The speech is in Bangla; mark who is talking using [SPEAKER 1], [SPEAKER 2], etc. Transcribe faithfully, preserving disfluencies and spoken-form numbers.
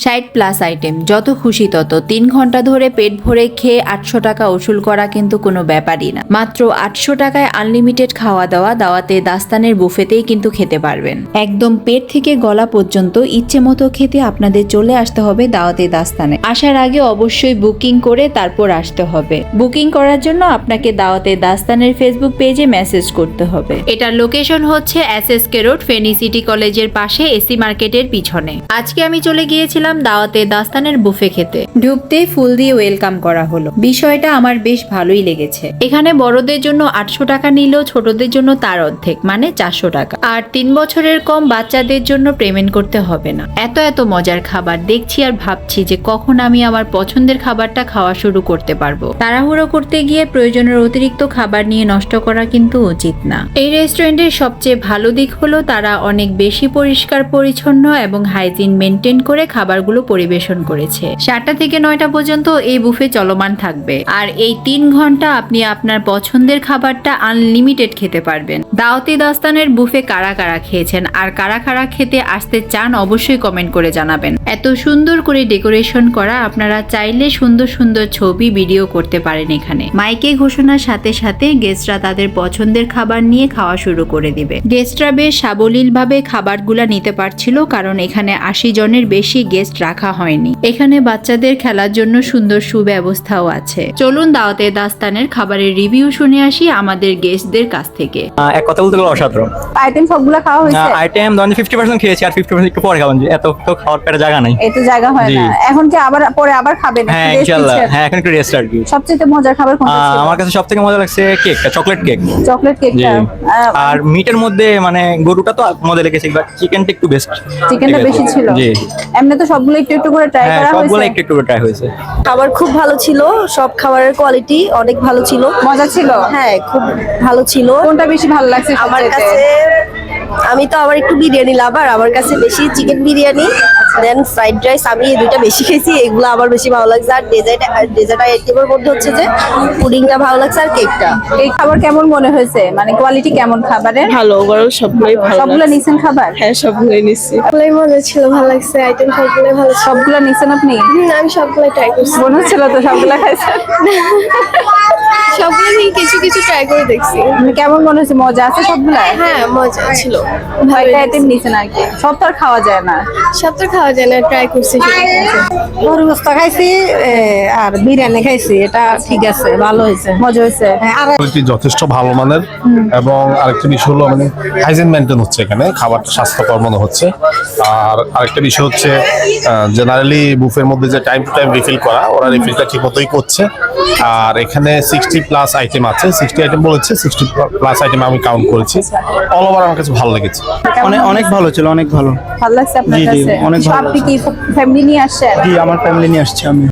[SPEAKER 1] ষাট প্লাস আইটেম, যত খুশি তত। তিন ঘন্টা ধরে পেট ভরে খেয়ে আটশো টাকা উসুল করা কিন্তু কোনো ব্যাপারই না। মাত্র আটশো টাকায় আনলিমিটেড খাওয়া দাওয়া দাওয়াতে দাস্তানের বুফেতেই কিন্তু খেতে পারবেন। একদম পেট থেকে গলা পর্যন্ত ইচ্ছে মতো খেতে আপনাদের চলে আসতে হবে দাওয়াতে দাস্তানে। আসার আগে অবশ্যই বুকিং করে তারপর আসতে হবে। বুকিং করার জন্য আপনাকে দাওয়াতে দাস্তানের ফেসবুক পেজে মেসেজ করতে হবে। এটার লোকেশন হচ্ছে S S K road, Feni city কলেজের পাশে, এসি মার্কেটের পিছনে। আজকে আমি চলে গিয়েছিলাম দাওয়াতে দাস্তানের বুফে খেতে। ঢুকতেই ফুল দিয়ে ওয়েলকাম করা হলো। বিষয়টা আমার বেশ ভালোই লেগেছে। এখানে বড়দের জন্য আটশো টাকা নিলেও ছোটদের জন্য তার অর্ধেক মানে চারশো টাকা। আর তিন বছরের কম বাচ্চাদের জন্য পেমেন্ট করতে হবে না। এত এত মজার খাবার দেখছি আর ভাবছি যে কখন আমি আমার পছন্দের খাবারটা খাওয়া শুরু করতে পারবো। তাড়াহুড়ো করতে গিয়ে প্রয়োজনের অতিরিক্ত খাবার নিয়ে নষ্ট করা কিন্তু উচিত না। এই রেস্টুরেন্টের সবচেয়ে ভালো দিক হলো তারা অনেক বেশি পরিষ্কার পরিচ্ছন্ন এবং হাইজিন মেনটেন করে খাবারগুলো পরিবেশন করেছে। সাতটা থেকে নয়টা পর্যন্ত এই বুফে চলমান থাকবে। আর এই তিন ঘন্টা আপনি আপনার পছন্দের খাবারটা আনলিমিটেড খেতে পারবেন। দাওয়াতে দাস্তানের বুফে কারা কারা খেয়েছেন আর কারা কারা খেতে আসতে চান অবশ্যই কমেন্ট করে জানাবেন। এত সুন্দর করে ডেকোরেশন করা, আপনারা চাইলে সুন্দর সুন্দর ছবি ভিডিও করতে পারেন এখানে। মাইকে ঘোষণার সাথে সাথে গেস্টরা তাদের পছন্দের খাবার নিয়ে খাওয়া শুরু করে দিবে। গেস্টরা বেশ সাবলীল ভাবে খাবারগুলা নিতে পারছিল, কারণ এখানে আশি জনের বেশি গেস্ট রাখা হয়নি। এখানে বাচ্চাদের খেলার জন্য সুন্দর সুব্যবস্থাও আছে। চলুন দাওয়াতে দাস্তানের খাবারের রিভিউ শুনে আসি আমাদের গেস্টদের কাছ থেকে।
[SPEAKER 2] এক কথা বলতে গেলে অসাধারণ
[SPEAKER 3] আইটেম সবগুলা খাওয়া হয়েছে।
[SPEAKER 2] আইটেম ধরেন ফিফটি পার্সেন্ট খেয়েছি আর ফিফটি পার্সেন্ট একটু পরে খাবেন, এত তো খাওয়ার পেটে জায়গা নাই,
[SPEAKER 3] এত জায়গা হয় না। এখন কি আবার পরে আবার খাবেন?
[SPEAKER 2] হ্যাঁ ইনশাআল্লাহ, হ্যাঁ এখন একটু রেস্ট আর কি।
[SPEAKER 3] সবচেয়ে মজার খাবার কোনটা ছিল?
[SPEAKER 2] আমার কাছে সবথেকে মজা লাগছে কেকটা, চকলেট কেক।
[SPEAKER 3] চকলেট কেকটা।
[SPEAKER 2] আর মিটের মধ্যে মানে গরুটা তো মজা লেগেছে, বাট চিকেনটা একটু বেস্ট।
[SPEAKER 3] চিকেনটা বেশি ছিল।
[SPEAKER 2] জি,
[SPEAKER 3] এমনি তো সবগুলো একটু একটু করে ট্রাই
[SPEAKER 2] হ্যাঁ
[SPEAKER 3] করা হয়েছে।
[SPEAKER 2] সবগুলো একটু একটু করে ট্রাই হয়েছে।
[SPEAKER 4] খাবার খুব ভালো ছিল, সব খাবারের কোয়ালিটি অনেক ভালো ছিল।
[SPEAKER 3] মজা ছিল?
[SPEAKER 4] হ্যাঁ খুব ভালো ছিল।
[SPEAKER 3] কোনটা বেশি ভালো লাগছে
[SPEAKER 4] আমার
[SPEAKER 3] সবচেয়ে?
[SPEAKER 4] কাছে আমি তো আবার একটু বিরিয়ানি লাভার, আমার কাছে বেশি chicken biryani then fried rice, আমি এই দুইটা বেশি খেয়েছি, এগুলো আমার বেশি ভালো লাগছে। আর ডেজার্ট ডেজার্ট আইটেমের মধ্যে হচ্ছে যে পুডিংটা ভালো লাগছে আর কেকটা।
[SPEAKER 3] এই খাবার কেমন মনে হয়েছে, মানে কোয়ালিটি কেমন খাবারের?
[SPEAKER 5] ভালো, ওভারঅল সবগুলোই ভালো।
[SPEAKER 3] সবগুলো নিছেন খাবার?
[SPEAKER 5] হ্যাঁ সবগুলোই নিচ্ছি।
[SPEAKER 4] সবগুলোই মজা ছিল, ভালো লাগছে, আইটেম সবগুলোই ভালো ছিল।
[SPEAKER 3] সবগুলো নিছেন আপনি?
[SPEAKER 4] হুম, আমি সবগুলোই ট্রাই করছি।
[SPEAKER 3] মনে হচ্ছিল তো সবগুলো খাইছেন।
[SPEAKER 4] সবগুলো থেকে কিছু কিছু ট্রাই করে দেখছি।
[SPEAKER 3] মানে কেমন মনে হচ্ছে, মজা আছে সবগুলা?
[SPEAKER 4] হ্যাঁ মজা ছিল।
[SPEAKER 3] কয়টা আইটেম নিছেন আর কি? সব তো আর খাওয়া যায় না।
[SPEAKER 4] সব তো খাওয়া যায় না, ট্রাই করছি।
[SPEAKER 6] গরু গোস্ত খাইছি আর বিরিয়ানি খাইছি, এটা ঠিক আছে, ভালো হয়েছে,
[SPEAKER 3] মজা হয়েছে।
[SPEAKER 6] আর
[SPEAKER 7] কোয়ালিটি যথেষ্ট ভালো মানের এবং আরেকটা বিষয় হলো মানে হাইজিন মেনটেন হচ্ছে এখানে, খাবারটা স্বাস্থ্যকর মনে হচ্ছে। আর আরেকটা বিষয় হচ্ছে জেনারেলি বুফের মধ্যে যে টাইম টু টাইম রিফিল করা, ওরা রিফিলটা ঠিক মতোই করছে। আর এখানে সিক্সটি প্লাস আইটেম আছে, সিক্সটি আইটেম বলেছে, সিক্সটি প্লাস আইটেম আমি কাউন্ট করেছি। অল ওভার আমার কাছে ভালো লেগেছে।
[SPEAKER 2] অনেক অনেক ভালো ছিল, অনেক ভালো।
[SPEAKER 3] ভালো লাগছে আপনার
[SPEAKER 2] জি, জি,
[SPEAKER 3] কাছে?
[SPEAKER 2] অনেক ভালো
[SPEAKER 3] আপনি কি ফ্যামিলি নিয়ে আসছেন?
[SPEAKER 2] জি, আমার ফ্যামিলি নিয়ে আসছি আমি।